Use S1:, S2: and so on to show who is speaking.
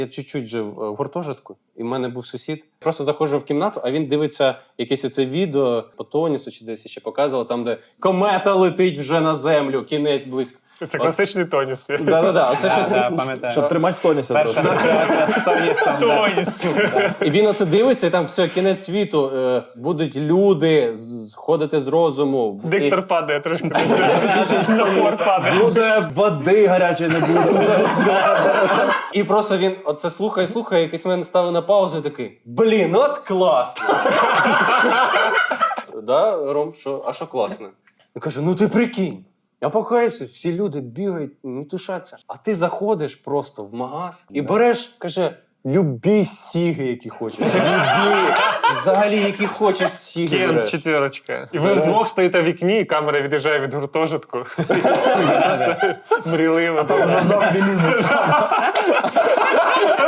S1: Я чуть-чуть жив в гуртожитку, і в мене був сусід. Просто заходжу в кімнату, а він дивиться якесь оце відео по Тонісу чи десь ще показував, там, де комета летить вже на землю, кінець близько.
S2: Це класичний Тоніс.
S1: Да-да-да, оце щось,
S3: пам'ятаю.
S4: Щоб тримати в тонісі.
S3: Перша асоціація з Тонісом.
S2: Тоніс!
S1: І він оце дивиться, і там все, кінець світу, будуть люди ходити з розуму.
S2: Диктор падає трошки. Напор падає.
S4: Буде води гарячої не буде.
S1: І просто він оце слухає, якийсь момент ставив на паузу і такий, блін, от класно. Да, Ром, що? А що класно? Він каже, ну ти прикинь. Я покаюся, всі люди бігають, не тушаться. А ти заходиш просто в магаз і береш, каже, любі сіги, які хочеш. Любі. Взагалі, які хочеш сіги
S2: Кент
S1: береш.
S2: четвірочка. І ви вдвох стоїте в вікні, і камера від'їжджає від гуртожитку. Просто мрійливо.
S4: Назад білізм.